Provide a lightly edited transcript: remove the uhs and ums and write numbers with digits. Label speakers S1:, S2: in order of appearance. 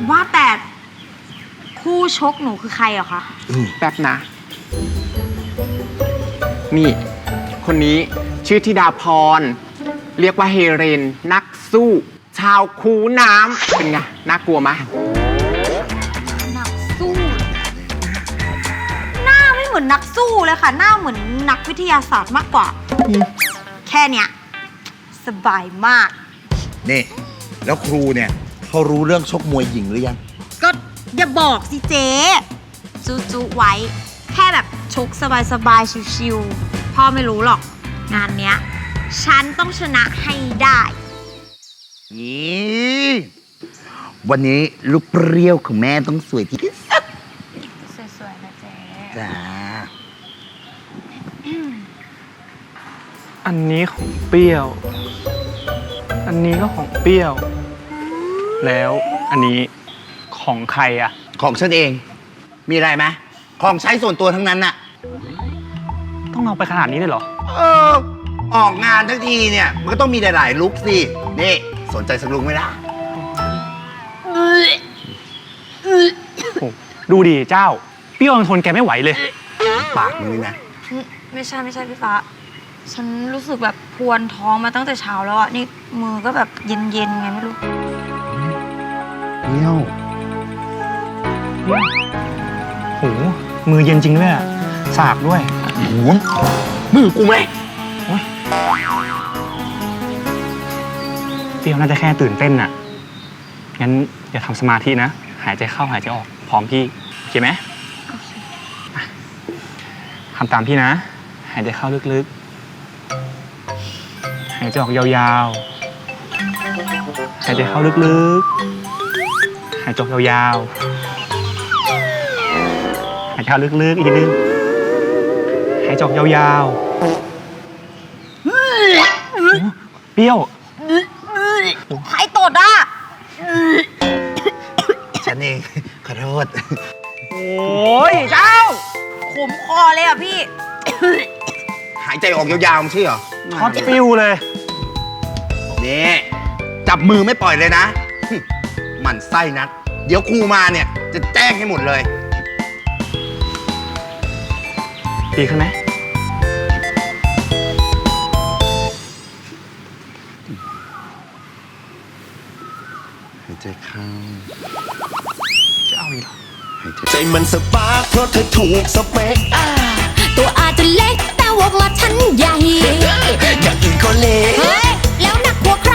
S1: ว่าแต่คู่ชกหนูคือใครเหรอคะ
S2: แป๊บนะ นี่ คนนี้ชื่อธิดาพร เรียกว่าเฮเรนนักสู้ ชาวคูน้ำเป็นไง น่ากลัวไหม
S1: นักสู้ หน้าไม่เหมือนนักสู้เลยค่ะ หน้าเหมือนนักวิทยาศาสตร์มากกว่า แค่เนี้ยสบายมาก
S3: นี่แล้วครูเนี่ยเขารู้เรื่องชกมวยหญิงหรือยัง
S1: ก็อย่าบอกสิเจ๊จูไว้ แค่แบบชกสบายๆชิวๆพ่อไม่รู้หรอก งานเนี้ยฉันต้องชนะให้ได้
S3: วันนี้ลูกเปรี้ยวของแม่ต้องสวยที่สุด
S1: สวยๆนะเจ๊
S3: จ้า
S4: อันนี้ของเปรี้ยว อันนี้ก็ของเปรี้ยว แล้วอันนี้ของใครอะ
S3: ของฉันเองมีอะไรไหมของใช้ส่วนตัวทั้งนั้นน่ะ
S4: ต้องเอาไปขนาดนี้เลยเหรอ
S3: ออกงานทั้งทีเนี่ยมันก็ต้องมีหลายๆลุคสินี่สนใจสักลุคไหมล่ะ
S4: ดูดิเจ้าเปรี้ยวทนแกไม่ไหวเลย
S3: ปากมึงนะ
S1: ไม่ใช่พี่ฟ้าฉันรู้สึกแบบพวนท้องมาตั้งแต่เช้าแล้วอ่ะนี่มือก็แบบเย็นๆไงไม่รู้
S3: เนี่ย
S4: โหมือเย็นจริงด้วยอะสากด้วย
S3: โหมือกูไหม
S4: เปรี้ยวน่าจะแค่ตื่นเต้นน่ะงั้นอย่าทำสมาธินะหายใจเข้าหายใจออกพร้อมพี่โอเคไหมทำตามพี่นะหายใจเข้าลึกๆหายใจออกยาวๆหายใจเข้าลึกๆหายใจออกยาวๆหายใจเข้าลึกๆอีกนิดนึงหายใจออกยาวๆเปรี้ยว
S1: ใครตดอ่ะ
S3: ฉันเองขอโทษ
S4: โอ้ยเจ้า
S1: ขมคอเลยอ่ะพี่
S3: หายใจออกยาวๆไม่ใช่เหรอ
S4: ช็อตฟิวเลย
S3: นี่จับมือไม่ปล่อยเลยนะหมั่นไส้นักเดี๋ยวครูมาเนี่ยจะแจ้งให้หมดเลย
S4: ดีขึ้นไหม
S3: หายใจเข้า
S4: จะเอาอีกเหรอ
S5: ใจมันสปาร์คเพราะเธอถูกสเปค
S6: ตัวอาจจะเล็กแต่ว่ามาชั้นใหญ่
S5: อย่างอื่นก็เล็ก
S6: เฮ้ยแล้วหนักกว่าใคร